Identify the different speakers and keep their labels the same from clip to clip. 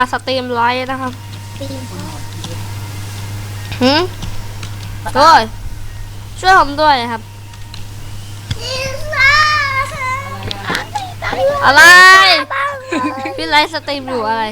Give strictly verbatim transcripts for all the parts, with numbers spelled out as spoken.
Speaker 1: สตรีมไลฟ์นะครับ
Speaker 2: ตีม
Speaker 1: หืมด้วยช่วยผมด้วยครับ อะไร พี่ไลฟ์สตรีมอยู่อะไร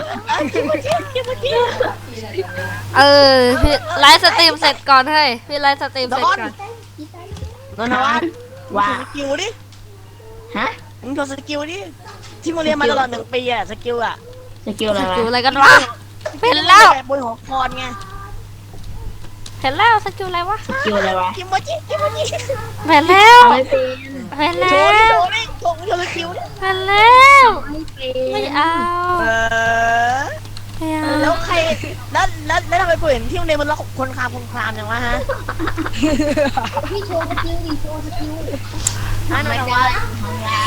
Speaker 1: เออ พี่ไลฟ์สตรีมเสร็จก่อนให้พี่ไลฟ์สตรีมเสร็จก่อน
Speaker 3: นนทวัฒน์
Speaker 2: ว่า
Speaker 3: สกิลดิ
Speaker 2: ฮะ
Speaker 3: มึงโชว์สกิลดิ ที่มึงเรียนมาตลอดหนึ่งปีอะสกิลอะ
Speaker 2: สกิลอะไร
Speaker 1: สกิล
Speaker 2: วะ
Speaker 1: อะไรกันวะเห็นแล้ว
Speaker 3: บนหัวคอนไง
Speaker 1: เห็นแล้วสกิลอะไรวะ
Speaker 2: สกิลอะไรวะ
Speaker 3: กิมโมจิกิมโมจิ
Speaker 1: เห็นแล้ว
Speaker 2: ไม่เป็น
Speaker 1: เห็น
Speaker 3: โช
Speaker 1: แล้
Speaker 3: ว์ดิ
Speaker 1: ว
Speaker 3: โชว์ดิโชว์โชว์สกิลดิ
Speaker 1: เห็นแล้ว
Speaker 2: ไม่เป็น
Speaker 1: ไม่เอา
Speaker 3: เออ
Speaker 1: ไม่เอา
Speaker 3: แล้วใคร แล้วแล้วแล้วทำไมกูเห็นที่โรงเรียนมันล็อกคนคลามคนคลามอย่างวะฮะ
Speaker 4: พี่โชว์สกิลดิโชว์สกิล
Speaker 3: นั่น
Speaker 2: ไม่
Speaker 3: นะ
Speaker 2: เป็น
Speaker 3: วะ
Speaker 2: ทำงาน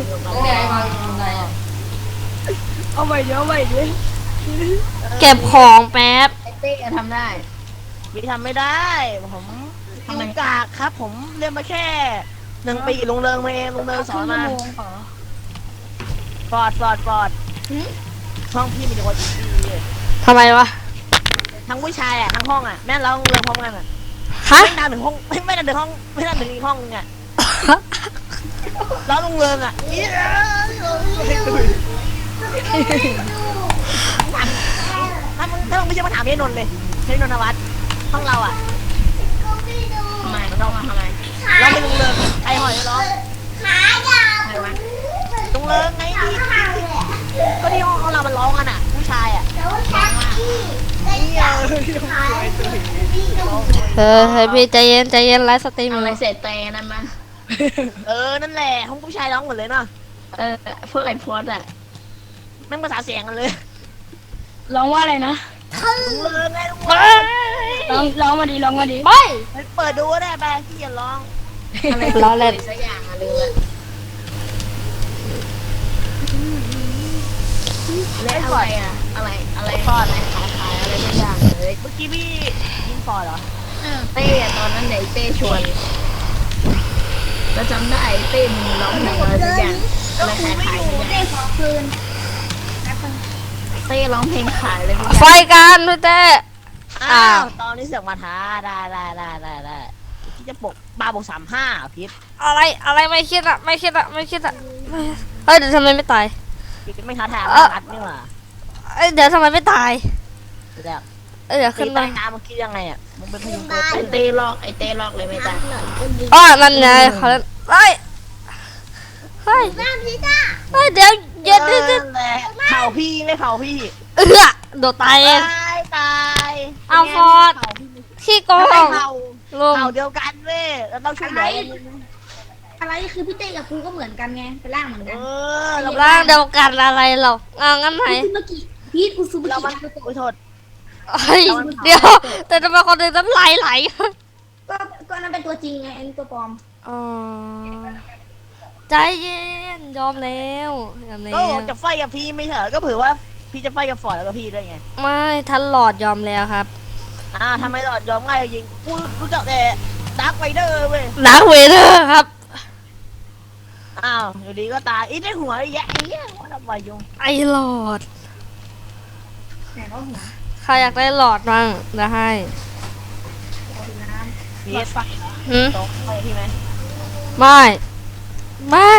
Speaker 3: เอาไปเดี๋ยวเอาไปดิ
Speaker 1: เก็บของแป๊บ
Speaker 2: ไอเต้ทำได้
Speaker 3: พี่ทำไม่ได้ ผม
Speaker 2: ทำไม
Speaker 3: กากครับ ผมเรียนมาแค่หนึ่งปีลงเริงมาเองลงเริงสอนมา ฟอร์ดฟอร์ดฟอร์ดห้องพี่มีแต่คนอีกที
Speaker 1: ทำไมวะ
Speaker 3: ทั้งผู้ชายอ่ะทั้งห้องอ่ะแม่เราเรียนพร้อมกันอ่ะ
Speaker 1: ฮะ
Speaker 3: ไม่นานถึงห้องไม่ไม่นานถึงห้องไม่นานถึงอีกห้องนึงอ่ะเราลงเริงอ่ะถ้ามึงถ้ามึงไม่ใช่มาถามพี่นนท์เลยพี่นนทวัฒน์ห้องเราอ่ะ
Speaker 2: ทำไมต้องมาทำไม
Speaker 3: เราไม่ลงเริงไอหอยร้อง
Speaker 2: ใครวะ
Speaker 3: ลงเริงไงที่ก็ที่ห้องเรามันร้องกันอ่ะผู้ชายอ่ะ
Speaker 1: เออให้พี่ใจเย็นใจเย็นไลฟ์สตรีม
Speaker 2: ทำ
Speaker 1: อะ
Speaker 2: ไม
Speaker 1: ไร
Speaker 2: เสร็จเต้นั่นมา
Speaker 3: เออนั่นแหละห้องผู้ชายร้องหมดเลยเนาะ
Speaker 2: เออพวกไอพอดอะ
Speaker 3: แม่งภาษาเสียงกันเลย
Speaker 5: ร้องว่าอะไรนะ
Speaker 3: ลงเริงไงลง
Speaker 1: ไป
Speaker 3: เริง
Speaker 5: ร้องร้องมาดีร้องมาดี
Speaker 1: ไป
Speaker 3: ไปเปิดดูก็ได้ไปพี่อย่าร้อง
Speaker 2: อะไร
Speaker 1: ล้อเล่น
Speaker 2: สักอย่างอะลืมละ และอะไรอะอะไรอะไรทอดอะไรขายขายอะไรทุกอย่างเลย
Speaker 3: เมื่อกี้พี่ยิงฟอร์ดเหรอ
Speaker 2: เต้อะตอนนั้นไหนเต้ชวนแล้วจำได้ไอ้เต้มึงร้องเพลงอะไรทุกอย่างอะไรขายขายทุกอย่าง
Speaker 4: ขอคืน
Speaker 2: เต้ร้องเพลงขายเลยทุกอ
Speaker 1: ไฟ
Speaker 2: ย่าง
Speaker 1: กันพี่เต้
Speaker 3: อ้า
Speaker 1: อ้าว ว
Speaker 3: ตอนนี้เสือกมาท้าได้ได้ได้ได้ได้พี่จะปกบาบกสามห้าพิษ
Speaker 1: อะไรอะไรไม่คิดอะไม่คิดอะไม่คิดอะไม่เฮ้ยเดี๋ยวทำไมไม่ตาย
Speaker 3: พี่ไม่ท้าทาย
Speaker 1: เอ่อ
Speaker 3: อัดนี่หว่า
Speaker 1: เอ้ยเดี๋ยวทำไมไม่ตาย
Speaker 3: เดี๋ยว
Speaker 1: เอ้ยเดี๋ยว
Speaker 3: ตี
Speaker 1: ขึ้น
Speaker 3: ใต้
Speaker 1: มา
Speaker 3: น้ำมันคิดยังไงอ่ะมึงเป็นพยุงตัว
Speaker 2: ไอ้
Speaker 3: ตื้น
Speaker 2: เต้ลอกไอ้เต้ลอกเลยไม่ตาย
Speaker 1: อ๋อนั่นไงเขาเล่นเฮ้ยเฮ้ย
Speaker 4: น้ำพี่จ้า
Speaker 1: เฮ้ยเดี๋ยวเย็นดิดิ
Speaker 3: นั่นแหละเผาพี่ไม่เผาพี่
Speaker 1: เออโดดตายเอง
Speaker 3: ตายตาย
Speaker 1: เอาฟอร์ด ขี้โก
Speaker 3: ทำไม
Speaker 1: ง
Speaker 3: เผา
Speaker 1: ลุง
Speaker 3: เผาเดียวกันเว้ยเราต้องช่วยเหลือกัน
Speaker 4: อะไรคือพี่เต้กับกูก็เหมือนกันไงเป็นร่างเหมือน
Speaker 3: เอ
Speaker 4: กัน
Speaker 3: อเรา
Speaker 1: ร่างเดียวกันอะไรเราเอางั้นไหน
Speaker 4: กูซูเมื่อกี้พีทกูซูเมื่อ
Speaker 3: เรา
Speaker 4: กี้
Speaker 3: มันโอ้ยโทษ
Speaker 1: เฮ้ยเดี๋ยวแต่ทำไมคนหนึ่งน้ำลายไหล
Speaker 4: ก็ก็นั่นเป็นตัวจริงไงอันนี้ตัวปลอม
Speaker 1: อ๋อใจเย็นยอมแล้วยอมแล้
Speaker 3: ก็
Speaker 1: ว
Speaker 3: จะไฟกับพี่ไม่เหรอก็เผื่อว่าพี่จะไฟกับฟอร์ดแล้วก็พี่ด้วยไง
Speaker 1: ไม่ทันหลอดยอมแล้วครับ
Speaker 3: อ่าทำไมหลอดยอมง่ายยิงกูรู้จักแต่ดาร์คไวเดอร์เว้ย
Speaker 1: ดาร์คเวเดอร์ครับ
Speaker 3: อ้าวอยู่ดีก็ตายอีได้หัวไอ้แย่ไอ้เหี้ยว่าทำไมยุง
Speaker 1: ไอหลอด
Speaker 4: ไหนว่าหัว
Speaker 1: ใครอยากได้หลอดบ้างจะให้
Speaker 3: พีเอสไฟ
Speaker 1: หืม
Speaker 3: ตรงไปพี่ไหม
Speaker 1: ไม่ไม่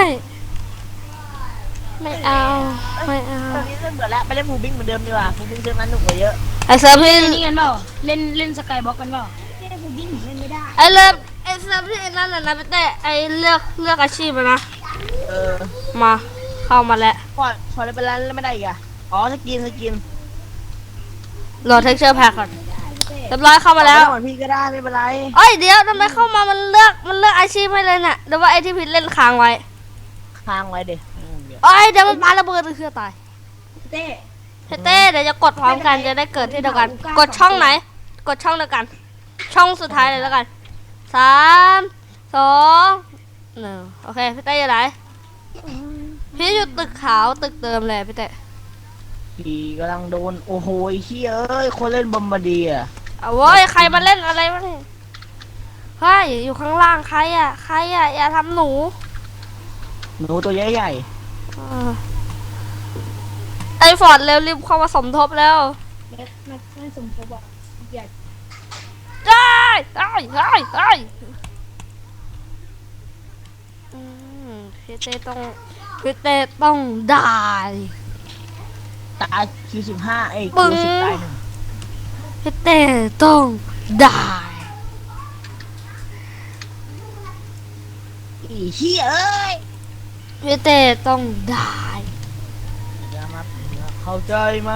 Speaker 1: ไม่เอาไม่เอา
Speaker 3: ตอนนี้เริ่มเบื่อแล้วไปเล่นฟูบิ้งเหมือนเดิมดีกว่าฟูบิ้งเซิร์ฟนั้นหนุกกว่าเยอะ
Speaker 1: ไอเซิร์ฟที่
Speaker 5: เล่นนี่กันเปล่าเล่นเล่นสกายบล็อกกันเปล่า
Speaker 4: เต้กูดิ้งเล่นไม่ได้
Speaker 1: ไอเลิฟไอเซิร์ฟที่ไอ้นั่นน่ะนะพี่เต้ไอเลือกเลือกอาชีพอะนะ
Speaker 3: เออ
Speaker 1: มาเข้ามาแล้ว
Speaker 3: พอพอเล่นไปแล้วเล่นไม่ได้อีกอ่ะอ๋อสกินสกิน
Speaker 1: โหลดเท็กเจอร์แพ็คก่อนเรียบร้อยเข้ามาแล้ว
Speaker 3: เหมือนพี่ก็ได้ไม่เป็นไร
Speaker 1: เอ้ยเดี๋ยวทำไมเข้ามามันเลือกมันเลือกอาชีพให้เลยเนี่ยเดี๋ยวว่าไอที่ผิดเล่นค้างไว้
Speaker 3: ค้างไว้เดี๋ยวเดี๋ยว
Speaker 1: เอ้ยเดี๋ยวมันปาระเบิดเครือตาย
Speaker 4: เต้
Speaker 1: เฮ้ยเต้เดี๋ยวจะกดพร้อมกันจะได้เกิดที่เดียวกัน กดช่องไหน กดช่องเดียวกัน ช่องสุดท้ายเลยแล้วกันสามสองหนึ่งโอเคพี่เต้อยู่ไหนพี่อยู่ตึกขาวตึกเดิมเลยพี่เต้
Speaker 3: พี่กำลังโดนโอ้โหไอ้เหี้ยเอ้ยคนเล่นบอมบาร์เดียร์
Speaker 1: เอาเว้ยใครมาเล่นอะไรวะเนี่ยเฮ้ยอยู่ข้างล่างใครอ่ะใครอ่ะอย่าทำหนู
Speaker 3: หนูตัวใหญ่
Speaker 1: เออไอ้ฟอร์ดเร็วรีบเข้ามาสมทบแล้ว
Speaker 5: แม็กแม็กไม่สมทบอ่ะอยาก
Speaker 1: ได้ได้ได้ได้อืมพี่เต้ต้องพี่เต้ต้องได้
Speaker 3: ตายคิวสิบห้าเอ้ย
Speaker 1: ปึ้
Speaker 3: คิว
Speaker 1: ง
Speaker 3: สิบตายหนึ่ง
Speaker 1: พี่เต้ต้องได้
Speaker 3: อีเหี้ยเอ้ย
Speaker 1: พี่เต้ต้องได้
Speaker 3: อย่ามาเข้าใจไหม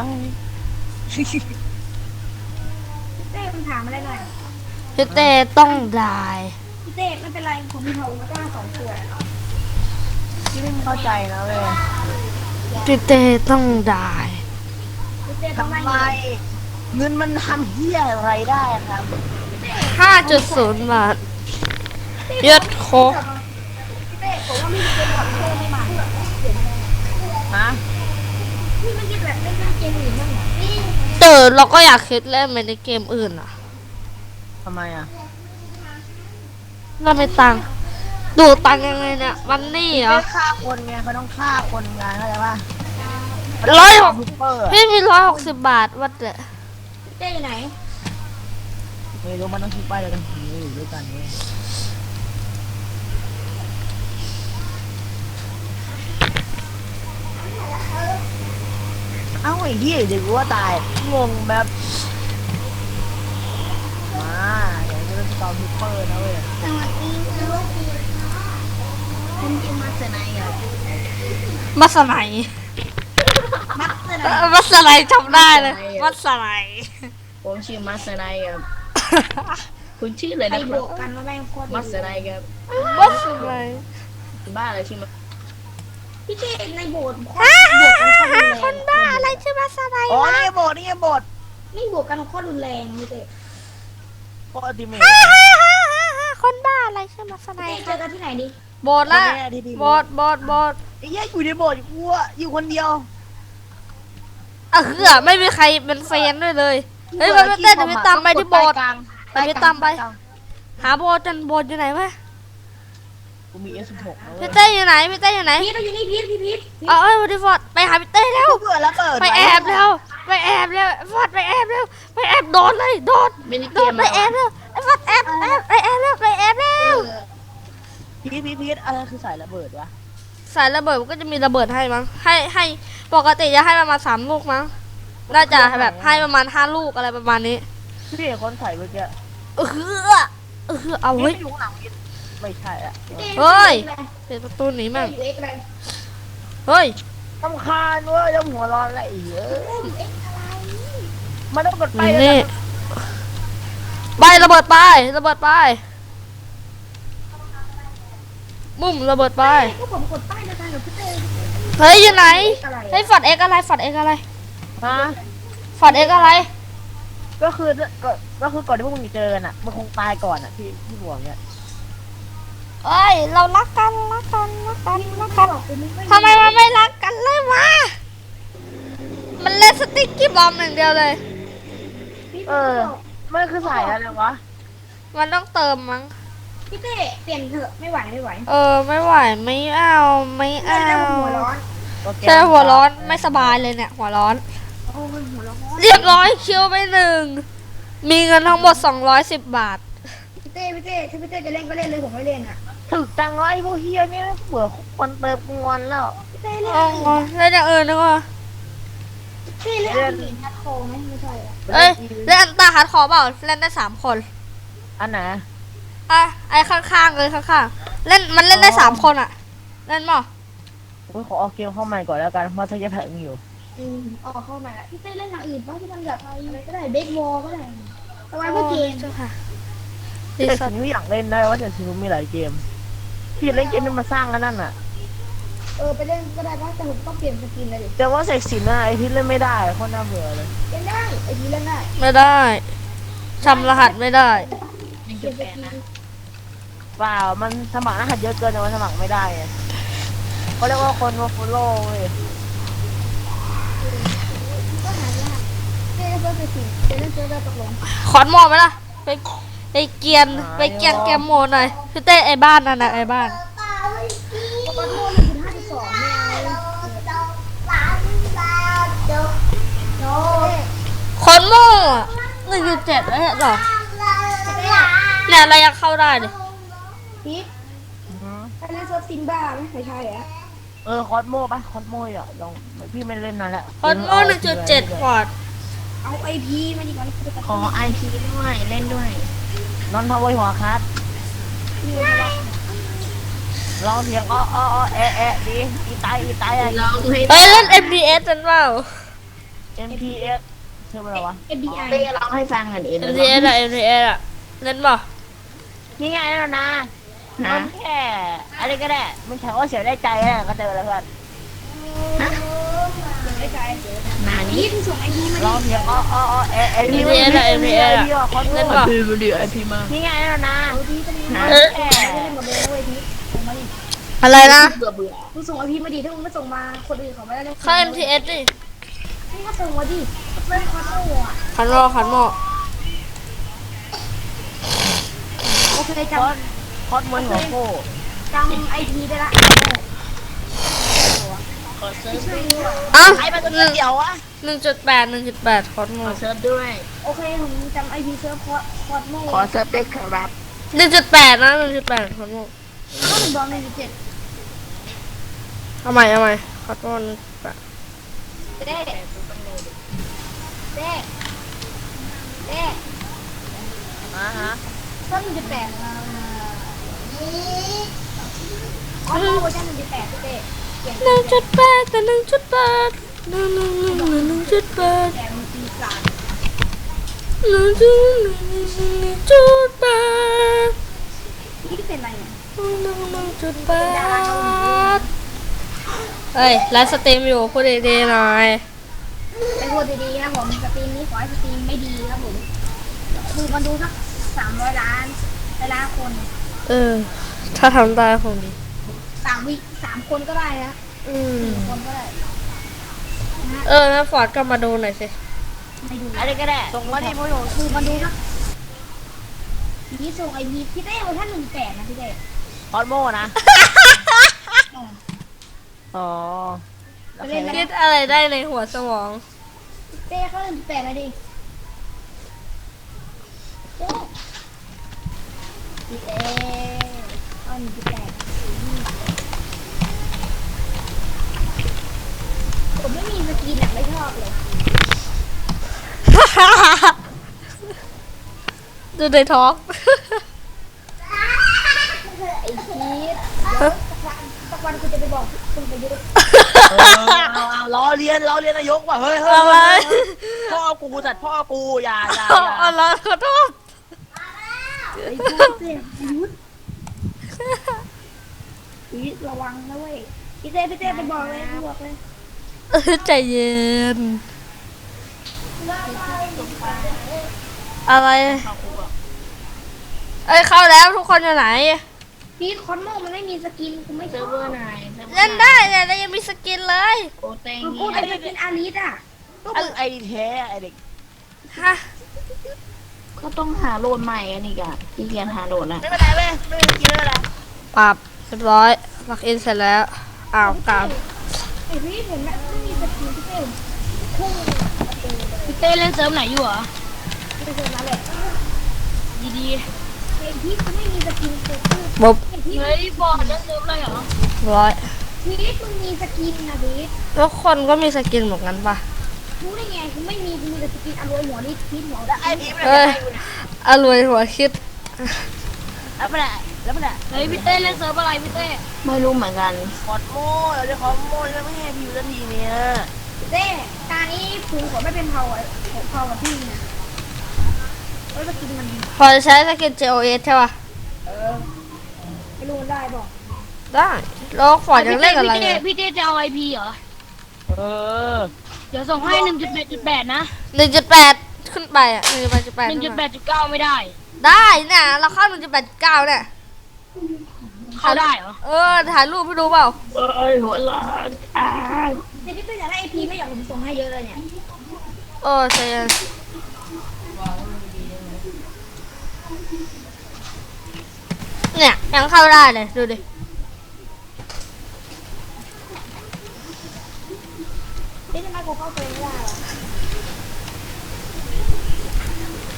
Speaker 5: เต้มันถามอะไรหน่อย
Speaker 1: พี่เต้ต้องได้
Speaker 5: พี่เต้ไม่เป็นไรผมมีทองก้าสองตัว
Speaker 3: พี่ไม่เข้าใจนะเว้ย
Speaker 1: พี่เต้ต้องได้
Speaker 5: พี่เต้ต้อง
Speaker 3: ทำ
Speaker 5: ได้
Speaker 3: ไมเงินมันทำเหี้ยอะไรได้อะครับ
Speaker 1: ห้าจุดศูนย์บาทยศโคก
Speaker 5: พี่เต้ผมว่าไม่มีเกมก่อนเต้ไม่มา
Speaker 3: ฮะ
Speaker 5: พี่ไม่คิดแบบเล่นเกมอื่นบ้างเหรอ
Speaker 1: เออเราก็อยากคิดเล่นไปในเกมอื่นอ่ะ
Speaker 3: ทำไมอ่ะ
Speaker 1: เราไม่ตังค์ดูตังค์ยังไงเนี่ยมันนี่เหรอ
Speaker 3: ไม่ฆ่าคนไงเขาต้องฆ่าคนไงเข้าใจป่ะ
Speaker 1: ร้อยหก
Speaker 3: ซุปเปอร์อะ
Speaker 1: พี่มีร้อยหกสิบบาทวัดเดะ
Speaker 5: พี่เต้อยู่ไหน
Speaker 3: ไม่รู้มันต้องคิดไปเลยกันผีอยู่ด้วยกันเว้ยเอ้าไอ้เหี้ยเดี๋ยวกูว่าตายงงแบบมาอยากจะเล่นสตอมซุปเปอร์นะเว้ย
Speaker 5: สวัสดีครับผมชื่อมัสไนอ่ะ
Speaker 1: มัสไน
Speaker 5: มัสไน
Speaker 1: เออมัสไนจำได้เลยมัสไน
Speaker 2: ผมชื่อมัสไนครับคุณชื่ออะไร
Speaker 5: ไป
Speaker 2: นะค
Speaker 5: บ
Speaker 2: รับ
Speaker 5: วกกันมาแม่งโคตร
Speaker 2: มัสไนครับ
Speaker 1: มัสไน
Speaker 2: บ้าอะไรชื่อมัส
Speaker 5: พี่เต้ในโบสถ์
Speaker 1: ฮ่า
Speaker 5: บว
Speaker 1: ฮ่าก
Speaker 5: กัน
Speaker 1: ฮ่า
Speaker 5: โคตรรุนแรง
Speaker 1: ฮ่าคนบ้าอะไรชื่อมัสไน
Speaker 3: อ๋อ
Speaker 1: วะ
Speaker 3: นี่ไงโบดนี่ไงโบด
Speaker 5: นี่บวกกันโคตรรุนแรงพี่เต้
Speaker 3: โคตรอัลติเมท
Speaker 1: ฮ่าฮ่าฮ่าฮ่าฮ่าคนบ้าอะไรชื่อมัสไน
Speaker 5: เต้เจอกันที่ไหนดิ
Speaker 1: โบดละโบดโบดโบด
Speaker 3: ไอ้เหี้ยอยู่ในโบดกูอะอยู่คนเดียว
Speaker 1: อ่ะคือไม่มีใครเป็นแฟนด้วยเลยเฮ้ยมันเต้นเดี๋ยวไปตามไปที่โบสถ์ ไปไปตามไป หาโบสถ์จนโบสถ์อยู่ไหนวะ
Speaker 3: กูมี เอส สิบหกนะเว้
Speaker 1: พี่
Speaker 3: ย
Speaker 1: เต้อยู่ไหนพี่เต้อยู่ไหน
Speaker 5: พีทเราอยู่นี่พีทพี่พีท
Speaker 1: เอาเอ้ยวันดีฟอร์ดไปหาพี่เต้แล้ว
Speaker 3: กูเบื่อแล้วเปิด
Speaker 1: ไปแอบแล้วไปแอบแล้วฟอร์ดไปแอบแล้วไปแอบโดนเลยโดน
Speaker 2: ไม่ได้
Speaker 1: โด
Speaker 2: เก
Speaker 1: น
Speaker 2: ม
Speaker 1: ไป
Speaker 2: แล้ว
Speaker 1: แอบแล้วไอ้ฟอร์ดแอบแอบไปแอบแล้วไปแอบแล้ว
Speaker 3: พีทพีทพีทอะไรคือสายระเบิดวะ
Speaker 1: สายระเบิดมันก็จะมีระเบิดให้มั้งให้ให้ปกติจะให้ประมาณสามลูกมั้งน่าจะแบบให้ประมาณห้าลูกอะไรประมาณนี้
Speaker 3: พี่เห็นคนใส่เมื่อกี้
Speaker 1: เออเออเอา
Speaker 3: พี
Speaker 1: เว้
Speaker 3: ท
Speaker 1: ย
Speaker 3: ไม่อยู่ข้างหลังพีทไม่ใช่อะ
Speaker 1: เฮ้ยปิดประตูหนีมั่ง
Speaker 5: อยู่เอ็กซ์อะไร
Speaker 1: เฮ้ย
Speaker 3: ตำคาญเว้ยแล้วหัวร้อนอะไรอีกเอ้ยมันต้องกดไป
Speaker 1: นี่
Speaker 3: เลย
Speaker 1: นี่ไประเบิดไประเบิดไปมุมระเบิดไป
Speaker 5: ก็ผมกดป้ายเดียวกันกับพี่เต้
Speaker 1: เฮ้ยอยู่ไหนเฮ้ยฟอร์ดเอ็กอะไรฟอร์ดเอ็กอะไร
Speaker 3: ฮะ
Speaker 1: ฟอร์ดเอ็กอะไร
Speaker 3: ก็คือก็ก็คือก่อนที่พวกมึงจะเจอกันอ่ะมันคงตายก่อนอ่ะที่ที่หัวเนี่ย
Speaker 1: เอ้ยเรารักกันรักกันรักกันรักกัน
Speaker 5: บอกเป็นไม่ค่อย
Speaker 1: ทำไมมันไม่รักกันเลยวะมันเล่นสติ๊กกี้บอมอย่างเดียวเลย
Speaker 5: พี่
Speaker 3: เอ
Speaker 5: เต้
Speaker 3: อมันคือสายอะไรวะ
Speaker 1: มันต้องเติมมั้ง
Speaker 5: พี่เต้เปลี่ยนเถอะไม่ไหวไม่ไหว
Speaker 1: เออไม่ไหวไม่เอาไม่
Speaker 5: เล่
Speaker 1: เอา
Speaker 5: นแล้วหัวร้อน
Speaker 1: ใช่หัวร้อนไม่สบายเลยเนี่ยหัวร้อน
Speaker 5: โอ้ยหัวร้อน
Speaker 1: เรียบร้อยคิวไปหนึ่งมีเงินทั้งหมดสองร้อยสิบบาท
Speaker 5: พี่เต้พี่เต้ถ้าพี่เต้จะเล่นก็เล่นเลยผมไม่เล่นอ่ะ
Speaker 3: ถึกจังเลยพวกเฮียนี่เบื่อคนเติมงอนแล้ว
Speaker 5: พี่เต้เล่น
Speaker 1: อ๋อเล่นอย่างอื่นดีกว่า
Speaker 5: พี่เล่นอันนี้ฮัดโคไหมไม่ใช่อ่ะ
Speaker 1: เอ้ยเล่นอันตาฮัดคอร์เปล่าเล่นได้สามคน
Speaker 3: อันไหน
Speaker 1: อ่ะไอ้ข้างๆเลยข้างๆเล่นมันเล่นได้สามคนอ่ะเล่นมั้ย
Speaker 3: ผมขอเอาเกมเข้าใหม่ก่อนแล้วกันเพราะถ้าจะแพ้มึงอยู่
Speaker 5: อืมออกเข้ามาพี่เต้เล่นอย่างอื่นบ้างที่มันแบบอะไรก็ได้เบสบอลก็ได้สบายเพื่อเกม
Speaker 1: เจ้าค่ะ
Speaker 3: แต่สินอยากเล่นได้ว่าแต่สินมีหลายเกมพี่เล่นเกมนี้มาสร้างกันนั่นน่ะ
Speaker 5: เออไปเล่นก็ได้นะแต่ผมต้องเปลี่ยนสกินเลยดิ
Speaker 3: แต่ว่าเสกสินน่ะไอพี่เล่นไม่ได้โคตรน่าเบื่อเลย
Speaker 5: เล่นได้ไอ้นี้เล่นได้
Speaker 1: ไม่ได้จำรหัสไม่ได้
Speaker 2: หนึ่ง
Speaker 5: เป
Speaker 2: จุ
Speaker 5: ลี่ย
Speaker 2: ด
Speaker 5: นส
Speaker 2: แปด
Speaker 5: กิน
Speaker 2: นะ
Speaker 3: เปล่ามันสมัครรหัสเยอะเกินแต่มันสมัครไม่ได้ไงเขาเรียกว่าคนมาฟอลโล่เว้ย
Speaker 5: ก็หายากเล่นเพื่อสกินจะเล่นเพื่อตกลง
Speaker 1: ขอนหมอไหมล่ะไปไปเกียนไปเกียนเกมโหมดหน่อยพี่เต้ไอ้บ้านนั่นนะไอ้บ้าน
Speaker 5: ปกติหนึ่งจุดห้าจุดสองไม่เอา
Speaker 1: นึ่งจุดเจ็ดแล้วเหรอเนี่ยเรายังเข้าได้เลย
Speaker 5: พีทไปเล่นเซิร์ฟซิมบ้าไหมไม่ใช่เหรอ
Speaker 3: เออคอสโมปะคอสโมอ่ะลองพี่ไม่เล่นนานแล้ว
Speaker 1: คอนโมหนึ่งจุดเจ็ดพอร์ต
Speaker 5: เอาไอพีมาดีกว่า
Speaker 2: ขอไอพีด้วยเล่นด้วย
Speaker 3: นอนทาวเวอร์หัวคัสลองเสียงอ้ออ้ออ้อแอะแอะดีอีตายอีตายอะ
Speaker 2: ลองให้
Speaker 1: เอ้ยเล่น เอ็ม ดี เอส กันเปล่า
Speaker 3: เอ็มพีเอสชื่ออะไรวะ
Speaker 5: เอฟบีไอ
Speaker 2: เต้ร้องให้ฟังหน่อยดิ
Speaker 1: เอ็ม ดี เอส อะ เอ็ม ดี เอส อะเล่นเปล่า
Speaker 3: นี่ไงนะนะ
Speaker 2: นะ
Speaker 3: มันแค่อะไรก็ได้มันแค่ว่าเสียได้ใจแหละก็เจอแล้วเพื่อน
Speaker 5: ไม่ใช่
Speaker 2: นา
Speaker 5: พี
Speaker 2: นี้
Speaker 5: ทส่งไอพีมา
Speaker 3: ล
Speaker 5: ดิ
Speaker 3: องเสียงอ้ออ้ออ้อแอะแอะ
Speaker 1: เอ็ม ดี เอส อะ เอ็ม ดี เอส อะ
Speaker 3: คอสโม
Speaker 1: เล่นเปล่า
Speaker 2: พีมันดีไอพีมา
Speaker 3: นี่ไงนะนะ
Speaker 5: เอาพีทจะมี
Speaker 2: นะ
Speaker 1: เออ
Speaker 5: ไม่ได้หมดเลยเว้ยพีทส่งมาดิ
Speaker 1: อะไรนะ
Speaker 2: เบื่อเบื่อ
Speaker 5: มึงส่งไอพีมาดิถ้ามึงไม่ส่งมาคนอื่นเขาไม่ได้เล่น
Speaker 1: เข้า เอ็ม ที เอส ดิ
Speaker 5: มึงก็ส่งมาดิเล่นคอนโต้อะ
Speaker 1: คันโมคันโม
Speaker 5: โอเคจ
Speaker 3: คอสคอสมวยหัวโป้
Speaker 5: ำจำไอพีได้ละ
Speaker 2: ขอเซิร์ฟ
Speaker 5: ช่วย
Speaker 2: ด้วย
Speaker 5: ด้วย
Speaker 1: อ้าว
Speaker 3: ไอ้มันตัวเดียววะ
Speaker 1: หนึ่งจุดแปดหนึ่งจุดแปดคอนโม
Speaker 2: ขอเซิร์ฟด้วย
Speaker 5: โอเคผมจำไอพีเซิร์ฟคอร์คอร์โม
Speaker 2: ขอเซิร์ฟด้วยครับ
Speaker 1: หนึ่งจุดแปดนะหนึ่งจุดแปดคอนโม
Speaker 5: ก็ถึงบอลหนึ่งจุดเจ็ด
Speaker 1: เอาใหม่เอาใหม่คอนโมหนึ่งจุดแปด
Speaker 5: เด้เด้เด้
Speaker 3: อ่าฮะ
Speaker 5: ก็หนึ่งจุดแปดคอร์โมเวอร์ชันหนึ่งจุดแปดเด้เก่ง
Speaker 1: หนึ่งจุดแปดแต่หนึ่งจุดแปดหนึ่งหนึ่งหนึ่งหนึ่งหนึ่งจุดแปด
Speaker 5: แต่มันปีศาจ
Speaker 1: หนึ่งจุดหนึ่งหนึ่งหนึ่งจุดแปด
Speaker 5: นี่เป็นอะไรเนี่ย
Speaker 1: หนึ่งหนึ่งหนึ่งจุดแปดเฮ้ยไลฟ์สตรีมอยู่พูดดีๆหน่อย
Speaker 5: ไปพูดดีๆครับผมสตรีมนี้ขอให้สตรีมไม่ดีครับผมคือมันดูสักสามร้อยล้านล้านคน
Speaker 1: เออ ถ้าทำได้คงดี
Speaker 5: สามวิสามคนก็ได้นะ
Speaker 1: อืม
Speaker 5: สี่คนก็ได้นะฮะ
Speaker 1: เออนะฟอร์ดก็มาดูหน่อยสิ
Speaker 5: ไม่ดู
Speaker 3: อะไรก็ได้ส่งมาดิมวยหัว
Speaker 5: คือมันดูสักนี่ส่งไอพีพี่เต้เวอร์ชันหนึ่งแปดนะพี่เต้
Speaker 3: คอสโมนะอ๋อ
Speaker 5: ไปเล่น
Speaker 1: คิดอะไรได้ในหัวสมอง
Speaker 5: เต้เขาหนึ่งแปดเลยดิเต้พี่เต้เอาหนึ่งแปดผมไม่มีสกินอ่ะไม่ชอบเลย
Speaker 1: ดูในท้อง
Speaker 5: ไอ้พีทสักวันกูจะไปบอกคุณประยุทธ์
Speaker 3: เออเอาเอาล้อเลียนล้อเลียนนายกว่ะเฮ้ยเฮ้ย
Speaker 1: อะไร
Speaker 3: พ่อกูสัตว์พ่อกูอย่าอย่า
Speaker 1: อ๋
Speaker 3: อย่า
Speaker 1: อแล้วขอโทษ
Speaker 5: ไอ้พีทเต้ประยุทธ์พีทระวังนะเว้ยพี่เต้พี่เต้ไปบอกเลยไปบอกเลย
Speaker 1: เออใจเย็น อะไร เอ้ยเข้าแล้วทุกคนอยู่ไหน
Speaker 5: พีทคอนโมมันไม่มีสกินกูไม่ช
Speaker 2: เซิ
Speaker 5: อ
Speaker 2: ร์ฟ
Speaker 5: บ
Speaker 2: เวอร์ไหนซิร์ฟวอร์
Speaker 1: เล่นได้เนี่ยแล้วยังมีสกินเลย
Speaker 2: โอ้เต็ง
Speaker 5: กูเป็นสกินอาริสอ่ะ
Speaker 3: ก็มึงไอ้แท้ไอ้เด็ก
Speaker 1: ฮะ
Speaker 2: ก็ต้องหาโหลดใหม่กันอีกอ่ะที่เกียนหาโหลดนะ
Speaker 3: ไม่เป็นไรเว้ยไม่เป็นกินไม่เป็นไร
Speaker 1: ปรับเรียบร้อยล็อกอินเสร็จแล้วอ้าวกลับ
Speaker 5: ไอพีทเห็นไหมไม่มีสกินพี่เต้พุ่งประตูเลย
Speaker 2: พี่เต้เล่นเซิร์ฟไหนอยู่เหรอ
Speaker 5: ไม่เคยมาเลย
Speaker 2: ดี
Speaker 5: ไอพีทกูไม่มีสกินกูพูด
Speaker 1: บุ๊บ
Speaker 5: ไอพี
Speaker 2: ๆ
Speaker 5: ท
Speaker 2: เฮ้ยบอลเล่นเซิร์ฟอะไรเหรอ
Speaker 1: ร้อย
Speaker 5: พีทมึงมีสกินนะพีท
Speaker 1: แล้วคนก็มีสกินเหมือนกันปะ
Speaker 5: รู้ได้ไงกูไม่มีกูมีแต่สกินอรวยหัวนี่พีทหัวได้
Speaker 3: ไอ้พีมัน
Speaker 1: เอ้
Speaker 3: อะไร
Speaker 1: ย
Speaker 3: อยู่เนี่ย
Speaker 1: อรวยหัวคิด
Speaker 3: แล้วมันอะแล้วมันอะ
Speaker 2: เฮ้ยพี่เต้เล่นเซิร์ฟอะไรพี่เต้ไม่รู้เหมือนกัน
Speaker 3: คอสโมเราจะคอสโมแล้วไม่ให้พิวสักทีเนี่ย
Speaker 5: เต้ตานี้ภูมิผมไม่เป็นเผาอ่ะผมเผากับพี่นะเพราะสกินมัน
Speaker 1: พอจะใช้สกิน เจ โอ เอส ใช่ปะ
Speaker 5: เออไม่รู้มันได้บอก
Speaker 1: ได้แล้วฟอร์ดยังเล่นกับอะไร
Speaker 2: พี่
Speaker 1: เล
Speaker 2: เต้
Speaker 1: ย
Speaker 2: พี่เต้จะเอาไอพีเหรอ
Speaker 3: เออ
Speaker 2: เดี๋ยวส่งให้หนึ่งจุดแปดจุดแปดนะ
Speaker 1: หนึ่งจุดแปดขึ้นไปอ่ะหนึ่งจุดแปดจุดแปด
Speaker 2: หนึ่งจุดแปดจุดเก้าไม่ได้
Speaker 1: ได้เนี่ยเราเข้าหนึ่งจุดแปดเก้าเนี่ย
Speaker 2: เข้าได้เหรอ
Speaker 1: เออถ่ายรูปให้ดูเปล่า
Speaker 2: เอ้ยหัวล้าน
Speaker 5: เดี๋ยวพี่เต้อยากได้ไอพีไม่อยากผมส่งให้เยอะเลยเนี่ย
Speaker 1: เออใช่เนี่ยยังเข้าได้เลยดูดิ
Speaker 5: พี่ทำไมกูเข้าเฟรมไม่ได้วะ